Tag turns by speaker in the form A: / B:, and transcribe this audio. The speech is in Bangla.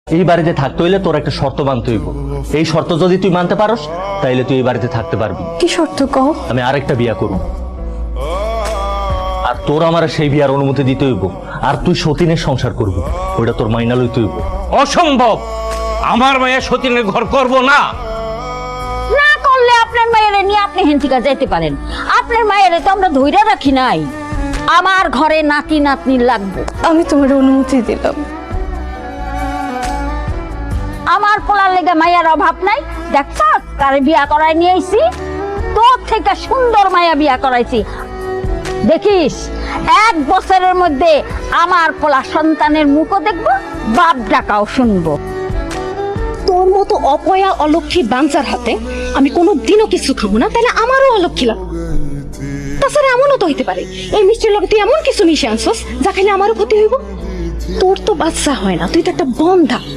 A: এই বাড়িতে থাকতে হইলে তোর একটা শর্ত মানতে হইব। এই শর্ত যদি তুই মানতে পারস তাইলে তুই এই বাড়িতে থাকতে পারবি।
B: কি শর্ত কও?
A: আমি আরেকটা বিয়া করব, আর তোর আমার সেই বিয়ার অনুমতি দিতে হইব, আর তুই সতীনের সংসার করবি, ওইটা তোর মাইনা লইতে হইব।
C: অসম্ভব, আমার মায়ের সতীনের ঘর করব না।
D: না করলে আপনার মায়ের নিয়ে আপনি হেন্থিকা যেতে পারেন। আপনার মায়ের তো আমরা ধইরা রাখি নাই। আমার ঘরে নাতি নাতনি লাগবে।
B: আমি তোমার অনুমতি দিলাম।
D: আমার পোলার লেগে মায়ের অভাব নাই। দেখছ কারে বিয়া করাই নিয়ে আইছি, তোর থেকে সুন্দর মায়া বিয়া করাইছি। দেখিস 1 বছরের মধ্যে আমার পোলা সন্তানের মুখও দেখবো, বাপ ডাকাও শুনবো।
B: তোর মতো অপয়া অলক্ষী বাঞ্চার হাতে আমি কোনোদিনও কিছু খাবো না, তাহলে আমারও অলক্ষী লাগবে। তাছাড়া এমনও তো হইতে পারে এই মিষ্টির লগে তুই এমন কিছু মিশে আনছস যা খাইলে আমারও ক্ষতি হইব। তোর তো বাচ্চা হয় না, তুই তো একটা বন্ধা।